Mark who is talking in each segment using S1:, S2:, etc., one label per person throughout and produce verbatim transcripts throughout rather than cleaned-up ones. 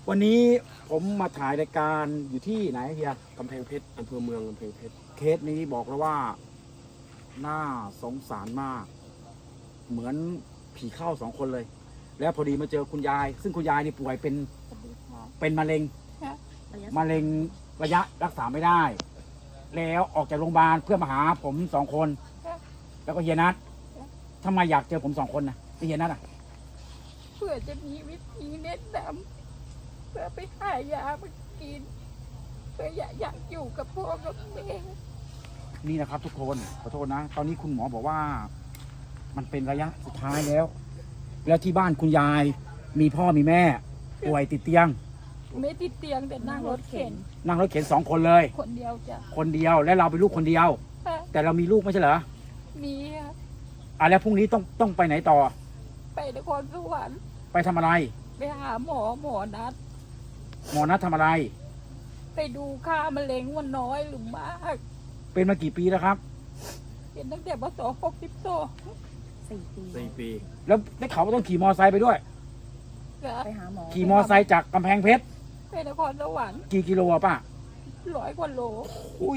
S1: วันนี้ผมมาถ่ายรายการอยู่ที่ไหนเฮีย
S2: กำแพงเพชรอำเภอเมืองกำแพงเพชร
S1: เคสนี้บอกแล้วว่าน่าสงสารมาก เหมือนผีเข้าสองคนเลย แล้วพอดีมาเจอคุณยาย ซึ่งคุณยายนี่ป่วยเป็นเป็นมะเร็งมะเร็งระยะรักษาไม่ได้ แล้วออกจากโรงพยาบาลเพื่อมาหาผมสองคน แล้วก็เฮียนัททำไมอยากเจอผมสองคนนะเฮียนัทอ่ะ
S3: เพื่อจะมีวิธีแนะนำเพื่อไปหายามากินเพื่ออยากอยากอยู่กับพ่อกับแม่
S1: นี่นะครับทุกคนขอโทษนะ ตอนนี้คุณหมอบอกว่า มันเป็นระยะสุดท้ายแล้ว แล้วที่บ้านคุณยายมีพ่อมีแม่ป่วยติดเตียง
S3: ไม่ติดเตียงแต่นั่งรถเข็น
S1: นั่งรถเข็นสองคนเลย
S3: คนเดียวจะ
S1: คนเดียวและเราเป็นลูกคนเดียว แต่เรามีลูกไม่ใช่เหรอ
S3: มีค่ะ
S1: อ่ะแล้วพรุ่งนี้ต้องต้องไปไหนต่อ
S3: ไปนครสวรรค์
S1: ไปทำอะไร
S3: ไปหาหมอหมอนัด
S1: หมอนัดทำอะไร
S3: ไปดูค่ามะเร็งว่าน้อยหรือมาก
S1: เป็นมากี่ปีแล้วครับ
S3: เป็นตั้งแต่ปศหกสิบสอง
S4: สี่ปี
S2: สี่ปี
S1: แล้วได้ข่าวว่าต้องขี่มอไซค์ไปด้วย
S4: ไปหาหมอ
S1: ขี่มอไซค์จากกำแพงเพชร
S3: ไปนครสวรรค์
S1: กี่กิโลอะป้า
S3: ร้อยกว่าโล
S1: อุ้ย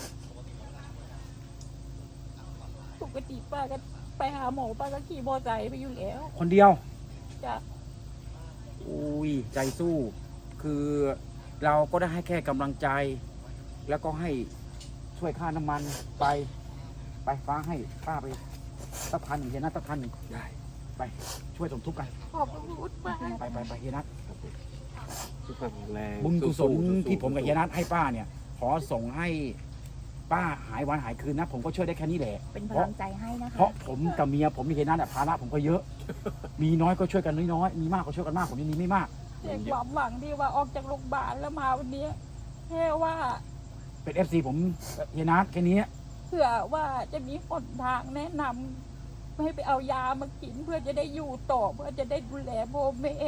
S3: ปกติป้าก็ไปหาหมอป้าก็ขี่มอเตอร์ไซค์ไปอยู่แล้ว
S1: คนเดียว
S3: จะ
S1: อุ้ยใจสู้ คือเราก็ได้ให้แค่กำลังใจ แล้วก็ให้ช่วยค่าน้ำมันไป ไปฟ้าให้ป้าไปสักพันหนึ่งเฮียนัทสักพันหนึ่ง
S2: ได้
S1: ไปช่วยสมทบกัน
S3: ขอบคุณมาก
S1: ไปไปไปเฮียนัท
S2: ทุกคนแรง
S1: บุญกุศล
S2: สู้ๆ
S1: ที่ผมกับ
S2: สู้ๆ
S1: เฮียนัทให้ป้าเนี่ย ขอส่งให้ป้าหายวันหายคืนนะ ผมก็ช่วยได้แค่นี้แหละ
S4: เป็นพ
S1: เพราะ
S4: ลังใจให้นะคะ
S1: เพราะผมกับเมียผมมีเฮียนัทอะภาระผมก็เยอะ มีน้อยก็ช่วยกันน้อยๆมีมากก็ช่วยกันมากผมยังมีไม่มาก
S3: แต่ความหวังที่ว่าออกจากโรงพยาบาลแล้วมาวันนี้แค่ว่า
S1: เป็นเอฟซีผมเฮียนัทแค่นี้
S3: เผื่อว่าจะมีหนทางแนะนำให้ไปเอายามากินเพื่อจะได้อยู่ต่อเพื่อจะได้ดูแลพ่อแม่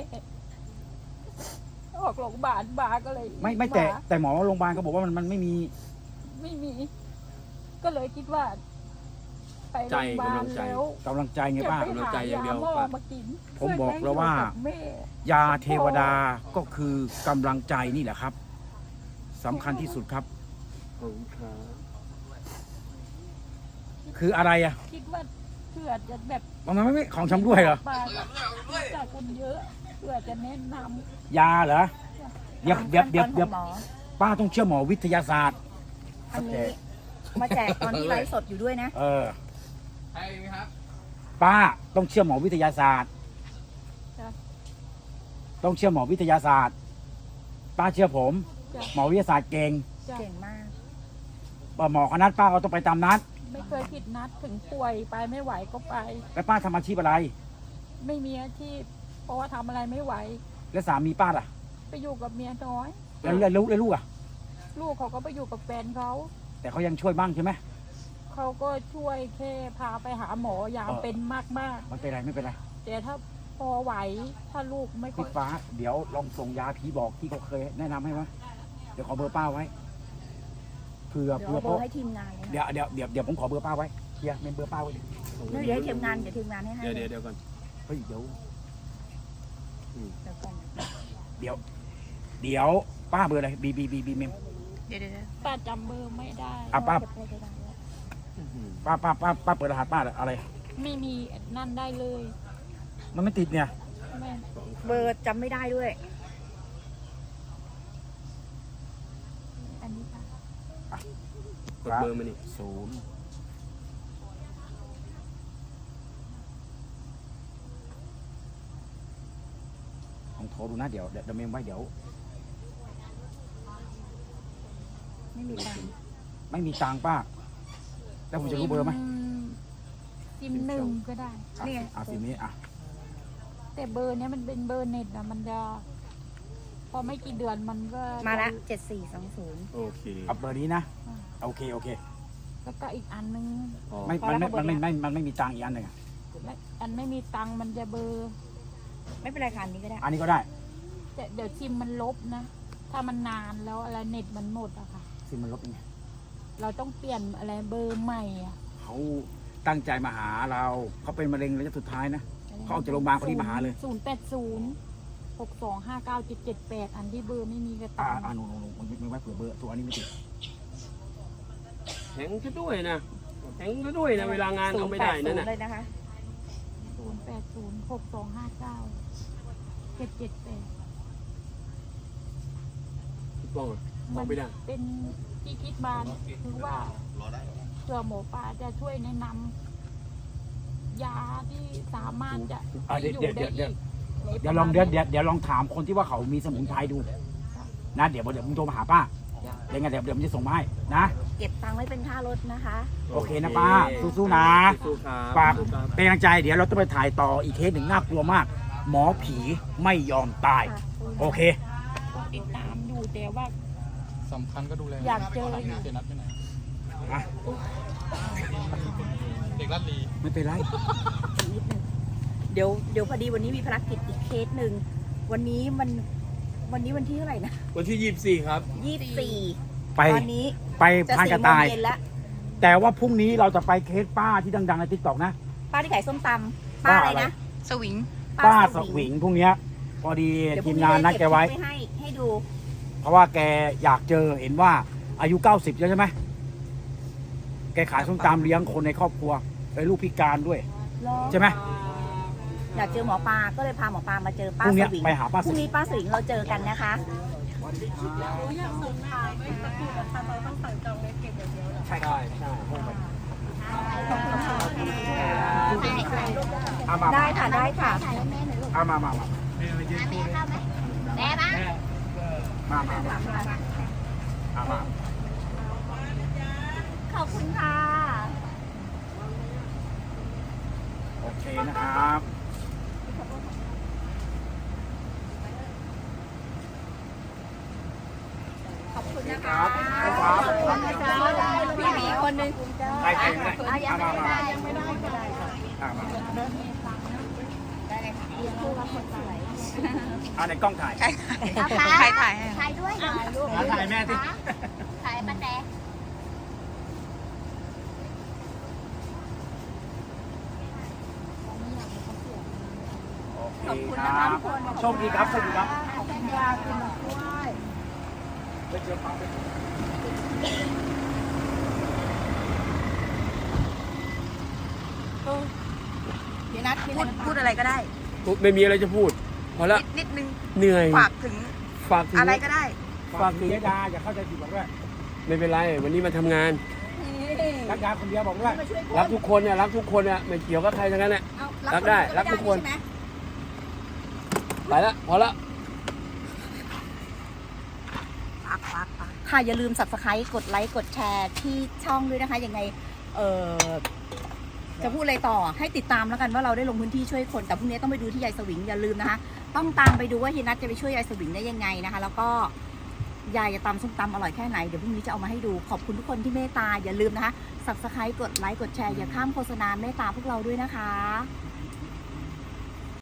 S3: ออกโรงพยาบาลมาก็เลย
S1: ไม่ไม่แต่
S3: า
S1: แต่หมอโรงพยาบาลก็บอกว่ามันมันไม่มี
S3: ไม่มี ก็เลยคิดว่า ไปโรงพยาบาลแล้ว
S1: กำลังใจไง
S3: จะ
S1: ป้า
S3: ไปหายาหม้อมากิน
S1: ผมบอกแล้วว่า
S3: เพื่อจะให้อยู่กับแม่
S1: ยาเทวดาก็คือกำลังใจนี่แหละครับสำคัญที่สุดครับ
S2: ขอบคุณครับ
S1: คืออะไรอะ
S3: คิดว่าเผื่อจะแบบ
S1: มันไม่ไม่ของชำร่วยเหรอ
S3: ป้าจากคนเยอะเพื่อจะแนะนำ
S1: ยาเหรอเดี๋ยวเดี๋ยวเดี๋ยวเดี๋ยว
S4: หมอ
S1: ป้าต้องเชื่อหมอวิทยาศาสตร์
S4: อันนี้มาแจกตอนที่ไลฟ์สดอยู่ด้วยนะ
S1: เออป้าต้องเชื่อหมอวิทยาศาสตร์
S3: จ้ะ
S1: ต้องเชื่อหมอวิทยาศาสตร์ ป้าเชื่อผม
S3: จ้ะ
S1: หมอวิทยาศาสตร์เก่ง
S3: จ้ะ
S4: เก่งมาก
S1: หมอเขานัดป้าก็ต้องไปตามนัด
S3: ไม่เคยผิดนัดถึงป่วยไปไม่ไหวก็ไป
S1: แล้วป้าทำอาชีพอะไร
S3: ไม่มีอาชีพเพราะว่าทำอะไรไม่ไหว
S1: แล้วสามีป้าล่ะ
S3: ไปอยู่กับเมียน้อย
S1: แล้วแล้วลูกแล้วลูกอะ
S3: ลูกเขาก็ไปอยู่กับแฟนเขา
S1: แต่เขายังช่วยบ้างใช่ไหม
S3: เขาก็ช่วยแค่พาไปหาหมอยาม
S1: เออ
S3: เป็นมาก
S1: ไม่เป็นไรไม่เป็นไร
S3: ๆ แต่ถ้าพอไหวถ้าลูกไม่ค่
S1: พี่
S3: อย
S1: ฟ้าเดี๋ยวลองส่งยาผีบอกที่เขาเคยแนะนำให้ไหมเดี๋ยวขอเบอร์ป้าไว้เผื่อ
S4: เดี๋ยว
S1: เผื่อ
S4: เอาเบอร์ให้ทีมงานเลย
S1: เดี๋ยวเดี๋ยวเดี๋ยวเดี๋ยวผมขอเบอร์ป้าไว้เฮียเมมเบอร์ป้าไว้ดิ
S4: นะเดี๋ยวให้ทีมงานเดี๋ยวทีมงานให้ให้
S2: เดี๋ยวเดี๋ยวเดี๋ยวก่อน
S1: เฮ้ยเดี๋ยว
S4: เดี๋ยวก่อน
S1: เดี๋ยว เดี๋ยวป้าเบอร์อะไรบีบีบีบีเมม
S4: เดี๋ยวเดี๋ยว
S3: ป้าจำเบอร์ไม่ได้
S1: อ่ะป้า
S4: เก็บไว้ได้แล้ว
S1: ป้าป้าป้าป้าเปิดรหัสป้าอะไร
S3: ไม่มีนั่นได้เลย
S1: มันไม่ติดเนี่ย
S3: แม่
S4: เบอร์จำไม่ได้ด้วย
S3: อันนี้ค่ะ
S2: กดเบอร์มานี่
S1: ศูนย์ลองโทรดูนะเดี๋ยวเดี๋ยวเดี๋ยวเมมไว้เดี๋ยว
S4: ไม่มีตังค์
S1: ไม่มีตังค์ป้า แล้วผมจะรู้เบอร์ไหม
S3: ซิมหนึ่งก็ได้
S1: อ่ะอ่ะสินี้อ่ะ
S3: แต่เบอร์เนี้ยมันเป็นเบอร์เน็ตนะมันจะพอไม่กี่เดือนมันก็
S4: มาละเจ็ดสี่สองศูนย์
S2: โอเค
S1: เอาเบอร์นี้นะโอเคโอเค
S3: แล้วก็อีกอันนึง
S2: อ๋อ
S1: ไม่มันไม่มันไม่ไม่มันไม่มีตังค์อีกอันหนึ่งอะ
S3: และอันไม่มีตังค์มันจะเบอร์
S4: ไม่เป็นไรค่ะอันนี้ก็ได้
S1: อันนี้ก็ได้
S3: แต่เดี๋ยวซิมมันลบนะ ถ้ามันนานแล้วอะไรเน็ตมันหมดอะค่ะ
S1: ซิมมันลบยังไง
S3: เราต้องเปลี่ยนอะไรเบอร์ใหม่อะ
S1: เขาตั้งใจมาหาเราเขาเป็นมะเร็งระยะสุดท้ายนะ เขาออกจากโรงพยาบาลเขาที่มาหาเลย
S3: ศูนย์แปดศูนย์
S1: อ
S3: หกสองห้าเก้าเจ็ดเจ็ดแปดอันที่เบอร์ไม่มีกระ
S1: อ่า
S3: ตัง
S1: อ่าหนูหนูหนูไม่ไม่ไว้เผื่อเบอร์ตัวอันนี้ไม่ติด
S2: แข็งซะด้วยนะแข็งซะด้วยนะเวลางานเอาไม่ได้นั่นน่ะ
S4: เลยนะคะ
S3: ศูนย์แปดศูนย์หกสองห้าเก้าเจ็ดเจ็ดแปด
S2: พี่ป้องอะบอกไม่ได้
S3: เป็นที่คิดมาคือว่าเผื่อหมอปลาจะช่วยแนะนำยาที่สามารถจะ
S1: อ่าเดี๋ยว
S3: อยู่
S1: เดี๋ยว
S3: ได้
S1: เดี๋ยว
S3: อีก
S1: เดี๋ยวลองเดี๋ยวเดี๋ยวเดี๋ยวลองถามคนที่ว่าเขามีสมุนไพรดูนะเดี๋ยวเดี๋ยวมึงโทรมาหาป้าเดี๋ยวไงเดี๋ยวเดี๋ยวมันจะส่งมาให้นะ
S4: เก็บตังค์ไว้เป็นค่ารถนะคะ
S1: โอเคนะป้าสู้ๆนะ
S2: สู้ๆครับ
S1: ฝาก
S2: สู้ๆครับ
S1: เป็นกำลังใจเดี๋ยวเราต้องไปถ่ายต่ออีกเคสหนึ่งน่ากลัวมาก หมอผีไม่ยอมตาย โอเค
S3: ติดตามอยู่แต่ว่า
S5: สำคัญก็ดูแล
S3: อยากเจออยู่
S5: เจนัดไปไหน
S1: อ่ะ
S5: เด็กรัดลี
S1: ไม่เป็นไร
S4: นิดนึงเดี๋ยวเดี๋ยวพอดีวันนี้มีภารกิจอีกเคสหนึ่งวันนี้มันวันนี้วันที่เท่าไหร่นะ
S2: วันที่ยี่สิบสี่ครับ
S4: ยี่สิบสี่
S1: ไป
S4: ตอนนี้
S1: ไป
S4: จะ
S1: พานก
S4: สี่
S1: ระ
S4: โมง
S1: ต่าย
S4: เย็นแล้ว
S1: แต่ว่าพรุ่งนี้เราจะไปเคสป้าที่ดังๆในทิกตอกนะ
S4: ป้าที่ขายส้มตำป้าอะไรนะ
S6: สวิง
S1: ป้าสวิงพรุ่งเนี้ยพอดี
S4: เดี๋ยวพ
S1: ที
S4: รุ่
S1: มงานนัดแกไว้
S4: เก็บคลิปให้ให้ดู
S1: เพราะว่าแกอยากเจอเห็นว่าอายุเก้าสิบแล้วใช่ไหมแกขายส้มตำเลี้ยงคนในครอบครัวเป็นลูกพิการด้วย ใช่ไหม
S4: อยากเจอหมอปลาก็เลยพาหมอปลามาเจอป้า
S1: พรุ่ง
S4: ส
S1: เนี้ย
S4: วิง
S1: ไปหาป้า
S4: พ
S1: ส
S4: รุ่ง
S1: วิ
S4: นี้
S1: ง
S4: ป้าสวิงเราเจอกันนะคะ
S1: ใช่ใช่ใช่เอามา
S4: ได้ค่ะได้ค่ะ
S1: เอามามามา
S6: แม่ปะ
S1: มามามาเอามา
S4: ขอบคุณค่ะ
S1: โอเคนะครับ
S4: ขอบคุณนะ
S1: ค
S4: คะ
S1: รับครับ
S4: พี่หมีคนหนึง
S1: ใครเก่งเลย
S4: ยัง
S1: เอา
S4: ไม่
S1: มามา
S4: ได้ยังไม่ได้ก็ได้ค่ะ
S1: เอามา
S4: ได้เลยค่ะเรียนคู่รับคนสวย
S1: เอาในกล้องถ่าย
S6: ใครใครถ่ายให้
S4: ถ่ายด้วยถ่ายรูป
S1: เอาถ่ายแม่สิ
S4: ถ่ายป้าแต
S1: โอเคครับโชคดีครับโชคดีครับ
S4: ขอบคุณยาคุณมาช่วย
S1: ไปเจอความเป็น
S4: เดี๋ยวนัดพูดพูดอะไรก็ได้
S2: ไม่มีอะไรจะพูด พอละ
S6: นิดนึง
S2: เหนื่อย
S6: ฝากถึง
S2: ฝากถึง
S6: อะไรก็ได้
S1: ฝากถึงยายดาอย่าเข้าใจผิดบอกด้วย
S2: ไม่เป็นไร วันนี้มาทำงาน
S1: รักยาคนเดียวบอกด้วย
S4: มาช่วย
S2: รักทุกคนเนี่ยรักทุกคนเนี่ยไม่เกี่ยวกับใครทั้งนั้นเนี่ย
S4: เอา
S2: รักได้รักทุกคน
S4: ใช่ไหม
S2: ไปละพอละ
S6: ฝากฝากฝาก
S4: ค่ะอย่าลืม subscribe กดไลค์กดแชร์ที่ช่องด้วยนะคะยังไงเออจะพูดอะไรต่อให้ติดตามแล้วกันว่าเราได้ลงพื้นที่ช่วยคนแต่พรุ่งนี้ต้องไปดูที่ยายสวิงอย่าลืมนะคะ ต้องตามไปดูว่าเฮียนัทจะไปช่วยยายสวิงได้ยังไงนะคะ แล้วก็ยายจะตำส้มตำอร่อยแค่ไหนเดี๋ยวพรุ่งนี้จะเอามาให้ดูขอบคุณทุกคนที่เมตตาอย่าลืมนะคะ subscribe กดไลค์กดแชร์อย่าข้ามโฆษณาเมตตาพวกเราด้วยนะคะ